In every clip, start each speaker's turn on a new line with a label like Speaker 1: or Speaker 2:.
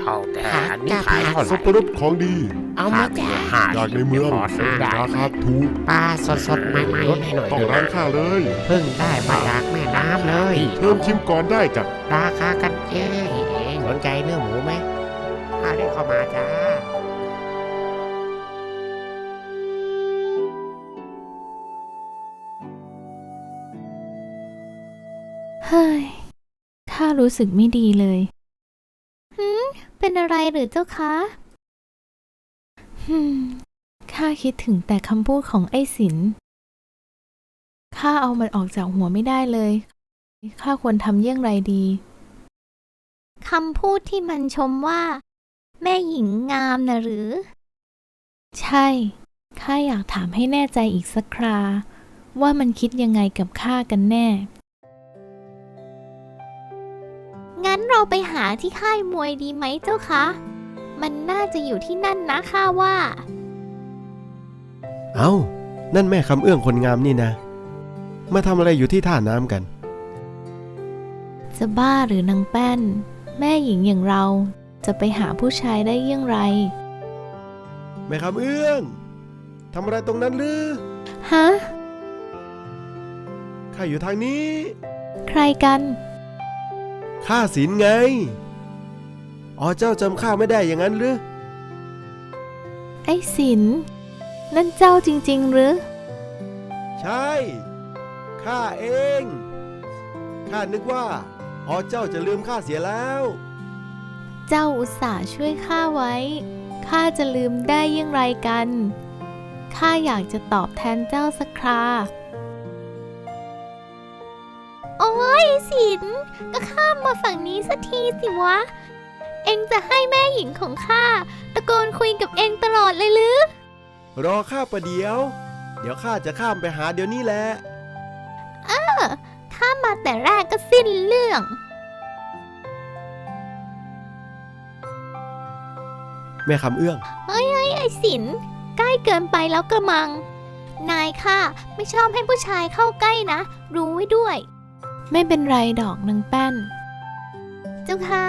Speaker 1: เอาแต่อันนี้ขายเท่าไห
Speaker 2: สั
Speaker 1: ร่
Speaker 2: บปะรดของดี
Speaker 1: เอามาแต่
Speaker 2: จากในเมือง
Speaker 1: พอซื้อได้
Speaker 2: ราคาถูก
Speaker 1: ปลาสดๆใหม่ๆให้หน่อย
Speaker 2: ต้องร้านข้าเลย
Speaker 1: เพิ่งได้มาจากแม่น้ำเลย
Speaker 2: เริ่มชิมก่อนได้จ้ะ
Speaker 1: ราคากันเองสนใจเนื้อหมูไหมข้าได้เข้ามาจ้า
Speaker 3: เฮ้ย ข้ารู้สึกไม่ดีเลยเป็นอะไรหรือเจ้าคะข้าคิดถึงแต่คำพูดของไอ้สินข้าเอามันออกจากหัวไม่ได้เลยข้าควรทำเยี่ยงไรดีคำพูดที่มันชมว่า แม่หญิงงามนะหรือ ใช่ข้าอยากถามให้แน่ใจอีกสักคราว่ามันคิดยังไงกับข้ากันแน่งั้นเราไปหาที่ค่ายมวยดีไหมเจ้าคะ มันน่าจะอยู่ที่นั่นนะข้าว่า
Speaker 4: เอ้า นั่นแม่คำเอื้องคนงามนี่นะ มาทำอะไรอยู่ที่ท่าน้ำกัน
Speaker 3: จะบ้าหรือนางแป้น แม่หญิงอย่างเราจะไปหาผู้ชายได้เยี่ยงไร
Speaker 4: แม่คำเอื้องทำอะไรตรงนั้นหรือ
Speaker 3: ฮะ
Speaker 4: ข้าอยู่ทางนี้
Speaker 3: ใครกัน
Speaker 4: ข้าศีลไงอ๋อเจ้าจำข้าไม่ได้อย่างนั้นหรือ
Speaker 3: ไอ้สิน นั่นเจ้าจริงๆหรือ
Speaker 4: ใช่ ข้าเอง ข้านึกว่าอ๋อเจ้าจะลืมข้าเสียแล้ว
Speaker 3: เจ้าอุตส่าห์ช่วยข้าไว้ ข้าจะลืมได้เยี่ยงไรกัน ข้าอยากจะตอบแทนเจ้าสักครา โอ้ยสิน ก็ข้ามมาฝั่งนี้สักทีสิวะ เอ็งจะให้แม่หญิงของข้าตะโกนคุยกับเอ็งตลอดเลยหรือ
Speaker 4: รอข้าประเดี๋ยว เดี๋ยวข้าจะข้ามไปหาเดี๋ยวนี้แหละ
Speaker 3: ข้ามาแต่แรกก็สิ้นเรื่อง
Speaker 4: แม่คำเอื้อง
Speaker 3: ไอ้สิน ใกล้เกินไปแล้วกระมัง นายข้าไม่ชอบให้ผู้ชายเข้าใกล้นะ รู้ไว้ด้วย ไม่เป็นไรดอกนางแป้น เจ้าค่ะ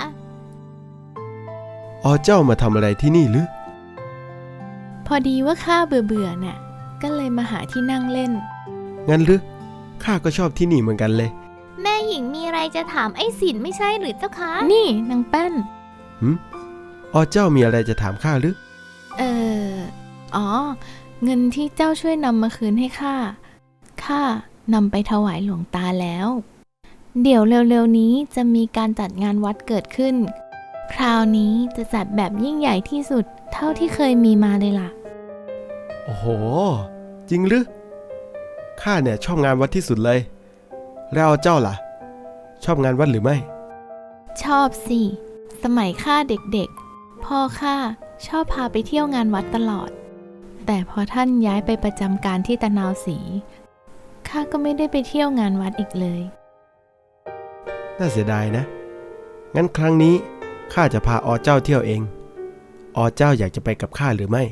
Speaker 4: อ๋อเจ้ามาทำอะไรที่นี่หรือ
Speaker 3: พอดีว่าข้าเบื่อน่ะ ก็เลยมาหาที่นั่งเล่น
Speaker 4: งั้นหรือ ข้าก็ชอบที่นี่เหมือนกันเลย
Speaker 3: แม่หญิงมีอะไรจะถามไอ้สินไม่ใช่หรือเจ้าคะ นี่นางแป้น
Speaker 4: อ๋อเจ้ามีอะไรจะถามข้าหรือ
Speaker 3: อ๋อ เงินที่เจ้าช่วยนำมาคืนให้ข้านำไปถวายหลวงตาแล้ว เดี๋ยวเร็วๆนี้จะมีการจัดงานวัดเกิดขึ้น คราวนี้จะจัดแบบยิ่งใหญ่ที่สุดเท่าที่เคยมีมาเลยล่ะ
Speaker 4: โอ้โห จริงหรือ ข้าเนี่ยชอบงานวัดที่สุดเลย แล้วเจ้าล่ะ ชอบงานวัดหรือไม่
Speaker 3: ชอบสิ สมัยข้าเด็กๆ พ่อข้าชอบพาไปเที่ยวงานวัดตลอด แต่พอท่านย้ายไปประจำการที่ตะนาวศรีข้าก็ไม่ได้ไปเที่ยวงานวัดอีกเลย
Speaker 4: น่าเสียดายนะ งั้นครั้งนี้ข้าจะพาอ๋อเจ้าเที่ยวเอง อ๋อเจ้าอยากจะไปกับข้าหรือไม่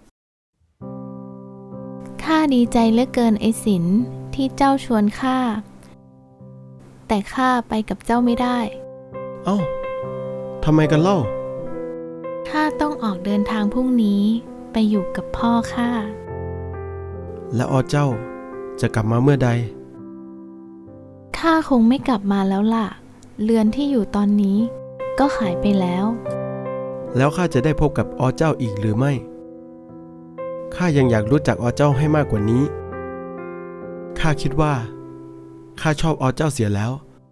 Speaker 3: ข้าดีใจเหลือเกินไอ้สินที่เจ้าชวนข้า แต่ข้าไปกับเจ้าไม่ได้
Speaker 4: เอ้า ทำไมกันเล่า
Speaker 3: ข้าต้องออกเดินทางพรุ่งนี้ไปอยู่กับพ่อข้า
Speaker 4: แล้วอ๋อเจ้าจะกลับมาเมื่อใด
Speaker 3: ข้าคงไม่กลับมาแล้วล่ะ เรือนที่อยู่ตอนนี้ก็ขายไปแล้ว
Speaker 4: แล้วข้าจะได้พบกับอ๋อเจ้าอีกหรือไม่ ข้ายังอยากรู้จักอ๋อเจ้าให้มากกว่านี้ ข้าคิดว่าข้าชอบอ๋อเจ้าเสียแล้ว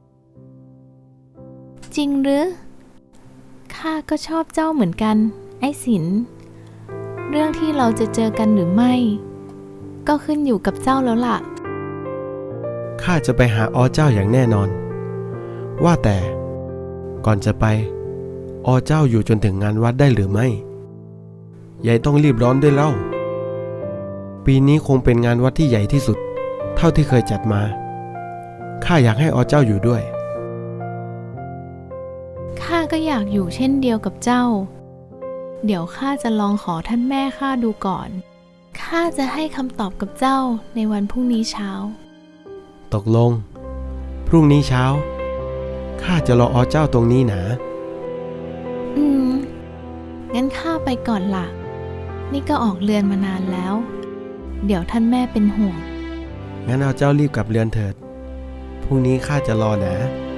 Speaker 3: จริงหรือ ข้าก็ชอบเจ้าเหมือนกัน ไอ้สิน เรื่องที่เราจะเจอกันหรือไม่ ก็ขึ้นอยู่กับเจ้าแล้วล่ะ
Speaker 4: ข้าจะไปหาอ๋อเจ้าอย่างแน่นอน ว่าแต่ก่อนจะไปอ๋อเจ้าอยู่จนถึงงานวัดได้หรือไม่ยายต้องรีบร้อนด้วยเล่า ปีนี้คงเป็นงานวัดที่ใหญ่ที่สุด เท่าที่เคยจัดมา ข้าอยากให้อ๋อเจ้าอยู่ด้วย
Speaker 3: ข้าก็อยากอยู่เช่นเดียวกับเจ้า เดี๋ยวข้าจะลองขอท่านแม่ข้าดูก่อน ข้าจะให้คำตอบกับเจ้าในวันพรุ่งนี้เช้า
Speaker 4: ตกลง พรุ่งนี้เช้าข้าจะรออ๋อเจ้าตรงนี้นะ
Speaker 3: อืมงั้นข้าไปก่อนล่ะ นี่ก็ออกเรือนมานานแล้ว เดี๋ยวท่านแม่เป็นห่วง
Speaker 4: งั้นเอาเจ้ารีบกลับเรือนเถิด พรุ่งนี้ข้าจะรอนะ